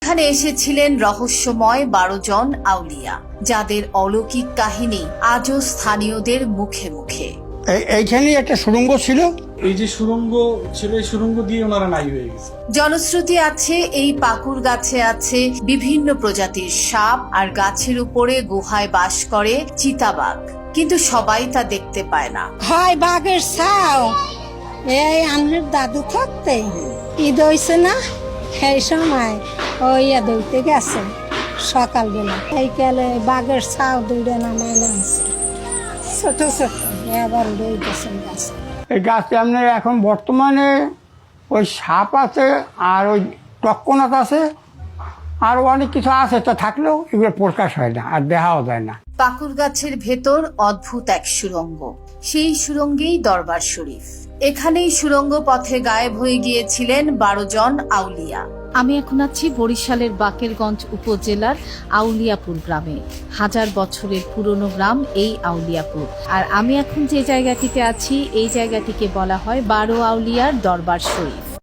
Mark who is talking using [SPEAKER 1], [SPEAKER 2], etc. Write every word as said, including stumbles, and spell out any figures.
[SPEAKER 1] এখানে এসেছিলেন রহস্যময় বারো জন আউলিয়া, যাদের অলৌকিক কাহিনী আজও স্থানীয়দের মুখে মুখে।
[SPEAKER 2] এইখানে একটা সুড়ঙ্গ ছিল,
[SPEAKER 3] এই যে সুড়ঙ্গ ছিল, এই সুড়ঙ্গ দিয়ে ওনারা নাই হয়ে গেছে।
[SPEAKER 1] জনশ্রুতি আছে এই পাকুড় গাছে আছে বিভিন্ন প্রজাতির সাপ, আর গাছের উপরে গুহায় বাস করে চিতাবাঘ, কিন্তু সবাই তা দেখতে পায় না।
[SPEAKER 4] হয় বাঘের ছাও। এই আমার দাদু থাকতে ঈদ হয়েছে না, সেই সময় ওই দইতে গেছে সকালবেলা, এই কালে বাঘের ছাও দুইটা নামাই নামছে ছোট ছোট, এবার উড়ে গেছে গাছে।
[SPEAKER 2] এই গাছটা আপনার এখন বর্তমানে ওই সাপ আছে, আর ওই টক্কনাথ আছে, আর অনেক কিছু আছে, তো থাকলেও এগুলো প্রকাশ হয় না আর দেখাও যায় না।
[SPEAKER 1] পাকুড় গাছের ভেতর অদ্ভুত এক সুড়ঙ্গ, সেই সুড়ঙ্গেই দরবার শরীফ। এখানেই সুড়ঙ্গ পথে গায়েব হয়ে গিয়েছিলেন বারো জন আউলিয়া।
[SPEAKER 5] আমি এখন আছি বরিশালের বাকেরগঞ্জ উপজেলার আউলিয়াপুর গ্রামে। হাজার বছরের পুরনো গ্রাম এই আউলিয়াপুর। আর আমি এখন যে জায়গাটিতে আছি, এই জায়গাটিকে বলা হয় বারো আউলিয়ার দরবার শরীফ।